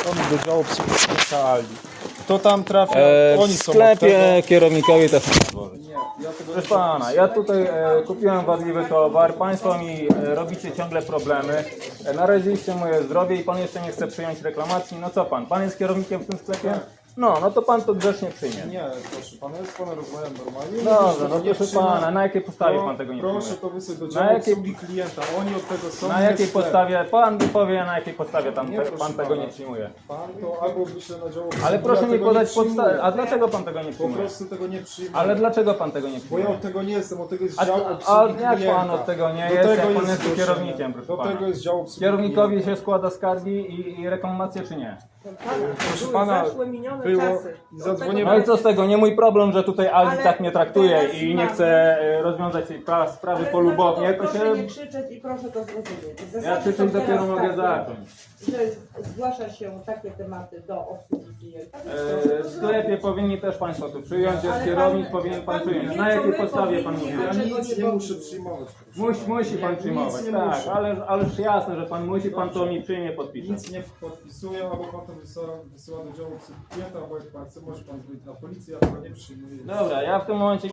do działu psychicznego Ali. To tam trafia, oni W są od sklepie tego. kierownikowi też nie złożyć. Ja tego Proszę pana, ja tutaj kupiłem wadliwy towar, państwo mi robicie ciągle problemy, naraziliście moje zdrowie i pan jeszcze nie chce przyjąć reklamacji. No co pan? Pan jest kierownikiem w tym sklepie? No to pan to grzecznie przyjmie. Nie, proszę pana, jest pana rozmawiam normalnie. Dobrze, no Nie proszę przyjmę. pana, na jakiej podstawie pan tego nie Proszę przyjmie? to wysłać do Na działu jakiej- obsługi klienta, oni od tego są. Na nie jakiej sklep. podstawie, pan mi powie, na jakiej podstawie Nie, proszę pan tego pana. nie przyjmuje. Pan to albo wyśle na działu obsługi, Ale proszę ja mi tego podać nie przyjmuję. podstawę, a dlaczego pan tego nie Po przyjmuje? prostu tego nie przyjmuję. Ale dlaczego pan tego nie Bo ja przyjmuje? od tego nie jestem, od tego jest A, dział a obsługi jak klienta. pan od tego nie Do jest, tego jak pan jest tu zgłoszenie. kierownikiem, proszę Do pana? tego jest dział obsługi Kierownikowi klienta. się składa skargi i reklamacje, czy nie? Proszę Były pana, zaszłe, minione było czasy. i zadzwonię. No i co z tego? Nie mój problem, że tutaj Ali Ale tak mnie traktuje teraz i nie mamy- chce rozwiązać tej sprawy Ale polubownie, to proszę nie się... krzyczeć i proszę to zrozumieć. Ja Zasady krzyczeć są dopiero teraz mogę takie, zacząć. że zgłasza się takie tematy do obsługi klienta. W sklepie powinni też państwo tu przyjąć, jest Ale kierownik, pan- powinien pan pan przyjąć. wie, Na co jakiej my podstawie pan powinni, mówi? a Ja czego nic nie nie muszę powinni. przyjmować. proszę. Musi pan Nic przyjmować, nie tak, muszę. ależ jasne, że pan musi, pan to mi przyjmie, podpisze. Nic nie podpisuję, albo pan to wysyła do działu obsługi klienta, albo jak pan chce, może pan dzwonić na policję, ja tego nie przyjmuję. Dobra, ja w tym momencie